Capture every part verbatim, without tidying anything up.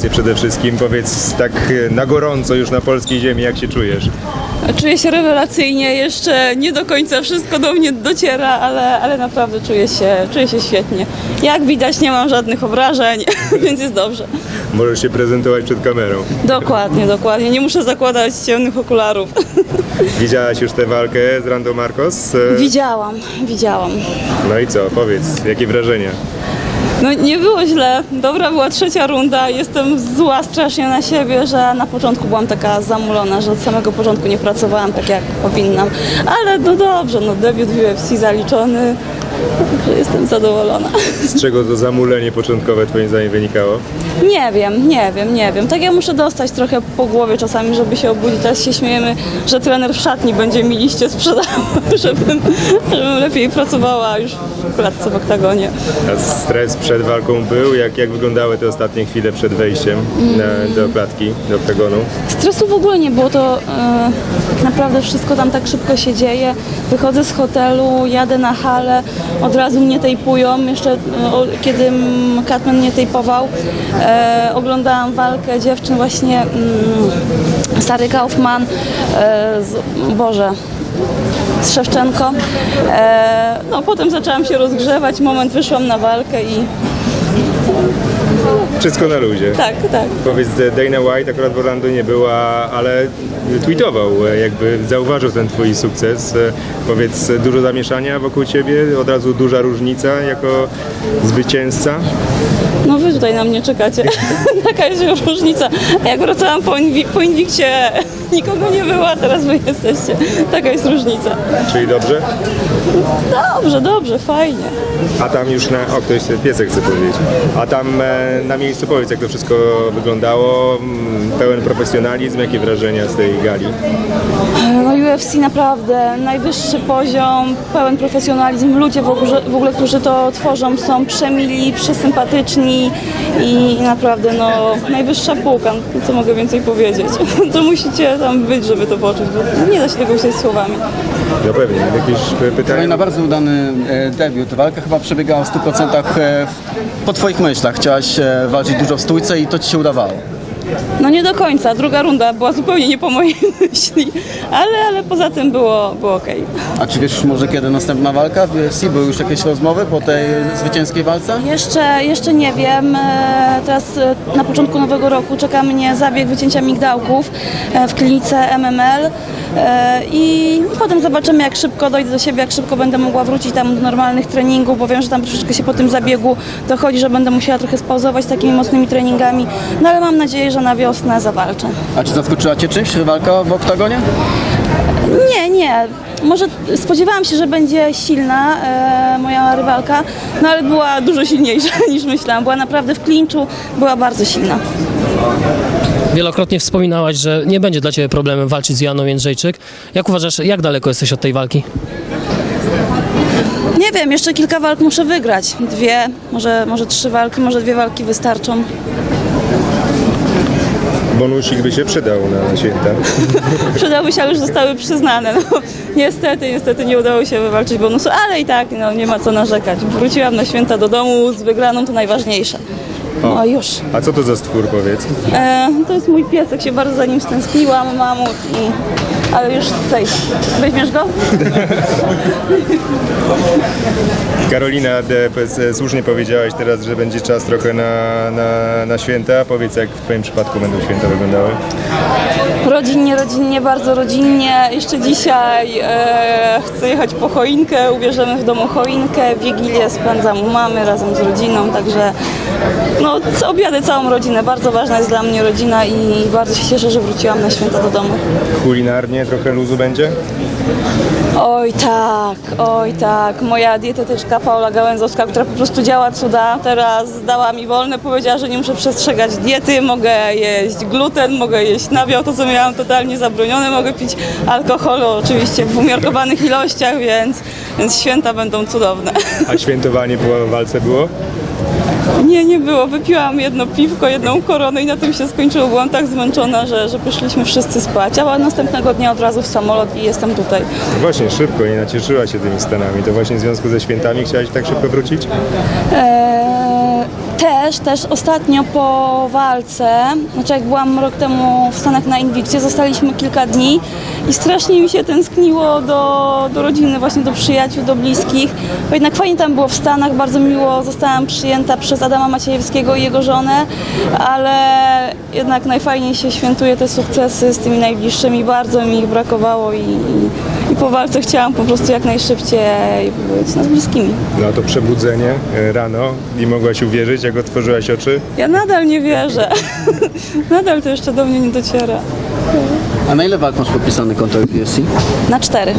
emocje przede wszystkim. Powiedz tak na gorąco już na polskiej ziemi, jak się czujesz? Czuję się rewelacyjnie, jeszcze nie do końca wszystko do mnie dociera, ale, ale naprawdę czuję się, czuję się świetnie. Jak widać, nie mam żadnych obrażeń, więc jest dobrze. Możesz się prezentować przed kamerą. Dokładnie, dokładnie. Nie muszę zakładać ciemnych okularów. Widziałaś już tę walkę z Rando Marcos? Widziałam, widziałam. No i co? Powiedz, jakie wrażenia? No nie było źle, dobra była trzecia runda, jestem zła strasznie na siebie, że na początku byłam taka zamulona, że od samego początku nie pracowałam tak jak powinnam, ale no dobrze, no debiut w U F C zaliczony, także jestem zadowolona. Z czego to zamulenie początkowe twoim zdaniem wynikało? Nie wiem, nie wiem, nie wiem, tak ja muszę dostać trochę po głowie czasami, żeby się obudzić, teraz się śmiejemy, że trener w szatni będzie mi liście sprzedawał, żebym, żebym lepiej pracowała już w klatce w oktagonie. A stres przed walką był? Jak, jak wyglądały te ostatnie chwile przed wejściem na, do klatki, do oktagonu? Stresu w ogóle nie było, to e, tak naprawdę wszystko tam tak szybko się dzieje. Wychodzę z hotelu, jadę na halę, od razu mnie tejpują, jeszcze e, o, kiedy mm, Katman mnie tejpował, e, oglądałam walkę dziewczyn właśnie, mm, Sary Kaufman, e, z, Boże, z Szewczenko. E, no potem zaczęłam się rozgrzewać, moment wyszłam na walkę i Wszystko na luzie. tak, tak. Powiedz, Dana White akurat w Orlando nie była, ale tweetował, jakby zauważył ten twój sukces. Powiedz, dużo zamieszania wokół ciebie, od razu duża różnica jako zwycięzca? No wy tutaj na mnie czekacie. Taka jest już różnica. Jak wracałam po, inwi- po Inwikcie, nikogo nie było, a teraz wy jesteście. Taka jest różnica. Czyli dobrze? Dobrze, dobrze, fajnie. A tam już na... O, ktoś piesek chce powiedzieć. A tam e, na miejscu powiedz, jak to wszystko wyglądało. Mm, Pełen profesjonalizm, jakie wrażenia z tej gali? No U F C naprawdę najwyższy poziom, pełen profesjonalizm. Ludzie w ogóle, w ogóle, którzy to tworzą, są przemili, przesympatyczni i naprawdę no najwyższa półka. No, co mogę więcej powiedzieć? To musicie tam być, żeby to poczuć, bo nie da się tego wziąć słowami. No pewnie. Jakieś p- No i pytania? na bardzo udany e, debiut. Walka chyba przebiegała w stu procentach e, w- po twoich myślach. Chciałaś e, walczyć dużo w stójce i to ci się udawało. No nie do końca, druga runda była zupełnie nie po mojej myśli, ale, ale poza tym było, było okej. A czy wiesz może kiedy następna walka w U F C? Były już jakieś rozmowy po tej zwycięskiej walce? Jeszcze, jeszcze nie wiem, E, teraz e, na początku nowego roku czeka mnie zabieg wycięcia migdałków e, w klinice M M L e, i potem zobaczymy, jak szybko dojdę do siebie, jak szybko będę mogła wrócić tam do normalnych treningów, bo wiem, że tam troszeczkę się po tym zabiegu dochodzi, że będę musiała trochę spauzować z takimi mocnymi treningami, no ale mam nadzieję, że na wiosnę zawalczę. A czy zaskoczyła cię czymś walka w oktagonie? Nie, nie. Może spodziewałam się, że będzie silna e, moja rywalka, no ale była dużo silniejsza niż myślałam. Była naprawdę w klinczu, była bardzo silna. Wielokrotnie wspominałaś, że nie będzie dla ciebie problemem walczyć z Joanną Jędrzejczyk. Jak uważasz, jak daleko jesteś od tej walki? Nie wiem, jeszcze kilka walk muszę wygrać. Dwie, może, może trzy walki, może dwie walki wystarczą. Bonusik by się przydał na święta. Przydałby się, ale już zostały przyznane. No, niestety, niestety nie udało się wywalczyć bonusu, ale i tak no, nie ma co narzekać. Wróciłam na święta do domu z wygraną, to najważniejsze. No już. A co to za stwór, powiedz? E, to jest mój piesek, się bardzo za nim stęskniłam, mamut, i... ale już tutaj. Weźmiesz go? Karolina, de, p- słusznie powiedziałaś teraz, że będzie czas trochę na, na, na święta. Powiedz, jak w twoim przypadku będą święta wyglądały? Rodzinnie, rodzinnie, bardzo rodzinnie. Jeszcze dzisiaj e, chcę jechać po choinkę, ubierzemy w domu choinkę, Wigilię spędzam u mamy razem z rodziną, także no, co- objadę całą rodzinę. Bardzo ważna jest dla mnie rodzina i bardzo się cieszę, że wróciłam na święta do domu. Kulinarnie trochę luzu będzie? Oj tak, oj tak. Moja dietetyczka Paula Gałęzowska, która po prostu działa cuda, teraz dała mi wolne, powiedziała, że nie muszę przestrzegać diety, mogę jeść gluten, mogę jeść nabiał, to co miałam totalnie zabronione, mogę pić alkoholu oczywiście w umiarkowanych ilościach, więc, więc święta będą cudowne. A świętowanie po walce było? Nie, nie było. Wypiłam jedno piwko, jedną koronę i na tym się skończyło. Byłam tak zmęczona, że, że poszliśmy wszyscy spać, ale następnego dnia od razu w samolot i jestem tutaj. Właśnie szybko, nie nacieszyła się tymi Stanami. To właśnie w związku ze świętami chciałaś tak szybko wrócić? Eee, Też, też ostatnio po walce, znaczy jak byłam rok temu w Stanach na Invictie, zostaliśmy kilka dni i strasznie mi się tęskniło do, do rodziny, właśnie do przyjaciół, do bliskich, bo jednak fajnie tam było w Stanach, bardzo miło zostałam przyjęta przez Adama Maciejewskiego i jego żonę, ale jednak najfajniej się świętuje te sukcesy z tymi najbliższymi, bardzo mi ich brakowało i, i, i po walce chciałam po prostu jak najszybciej być no, z bliskimi. No a to przebudzenie e, rano i mogłaś uwierzyć, jak otworzyłaś oczy? Ja nadal nie wierzę. Nadal to jeszcze do mnie nie dociera. A na ile walk masz podpisany kontrakt w U F C? Na cztery.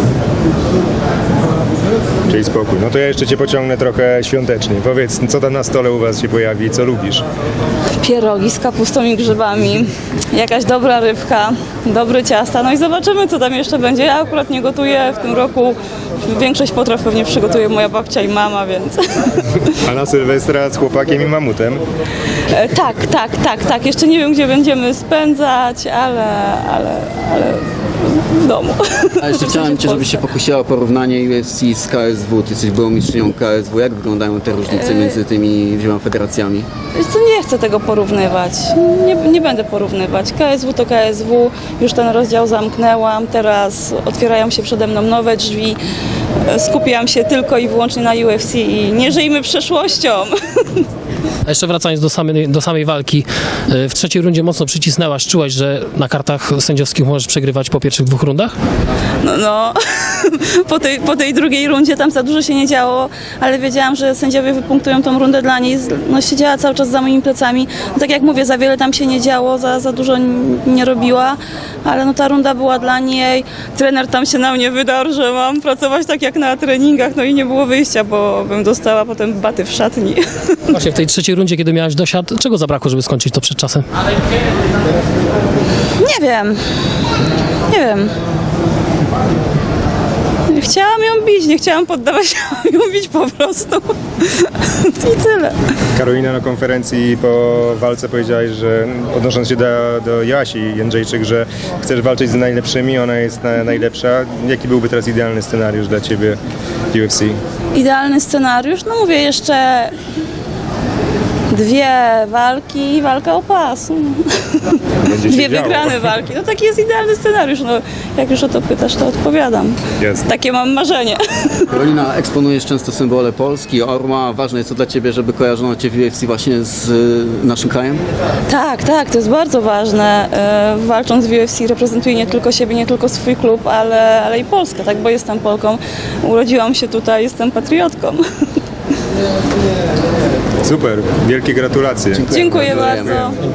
Czyli spokój. No to ja jeszcze cię pociągnę trochę świątecznie. Powiedz, co tam na stole u was się pojawi i co lubisz? Pierogi z kapustą i grzybami, jakaś dobra rybka, dobre ciasta, no i zobaczymy, co tam jeszcze będzie. Ja akurat nie gotuję w tym roku. Większość potraw pewnie przygotuje moja babcia i mama, więc... A na Sylwestra z chłopakiem i mamutem? E, tak, tak, tak, tak. Jeszcze nie wiem, gdzie będziemy spędzać, ale, ale, ale w domu. A jeszcze chciałem Cię, żebyś się pokusiła o porównanie U F C z K S W. Ty jesteś byłą mistrzynią K S W. Jak wyglądają te różnice między tymi dwiema federacjami? Wiesz co, nie chcę tego porównywać. Nie, nie będę porównywać. K S W to K S W. Już ten rozdział zamknęłam. Teraz otwierają się przede mną nowe drzwi. Skupiam się tylko i wyłącznie na U F C i nie żyjmy przeszłością. A jeszcze wracając do samej, do samej walki, w trzeciej rundzie mocno przycisnęłaś, czułaś, że na kartach sędziowskich możesz przegrywać po pierwszych dwóch rundach? No, no. Po, tej, po tej drugiej rundzie tam za dużo się nie działo, ale wiedziałam, że sędziowie wypunktują tą rundę dla niej. No, siedziała cały czas za moimi plecami. No, tak jak mówię, za wiele tam się nie działo, za, za dużo n- nie robiła, ale no, ta runda była dla niej. Trener tam się na mnie wydarł, że mam pracować tak jak na treningach, no i nie było wyjścia, bo bym dostała potem baty w szatni. Właśnie w tej trzeciej rundzie, kiedy miałaś dosiad, czego zabrakło, żeby skończyć to przed czasem? Nie wiem. Nie wiem. Chciałam ją bić, nie chciałam poddawać, chciałam ją bić po prostu. I tyle. Karolina na konferencji po walce powiedziałaś, że odnosząc się do, do Joasi Jędrzejczyk, że chcesz walczyć z najlepszymi, ona jest na, najlepsza. Jaki byłby teraz idealny scenariusz dla ciebie w U F C? Idealny scenariusz, no mówię jeszcze dwie walki i walka o pas. Będzie się Dwie działo. wygrane walki. No taki jest idealny scenariusz. No, jak już o to pytasz, to odpowiadam. Jest. Takie mam marzenie. Karolina, eksponujesz często symbole Polski, Orła. Ważne jest to dla Ciebie, żeby kojarzono Cię w U F C właśnie z y, naszym krajem? Tak, tak, to jest bardzo ważne. E, walcząc w U F C reprezentuję nie tylko siebie, nie tylko swój klub, ale, ale i Polskę, tak, bo jestem Polką. Urodziłam się tutaj, jestem patriotką. Super, wielkie gratulacje. Dziękuję Gratulujemy. bardzo.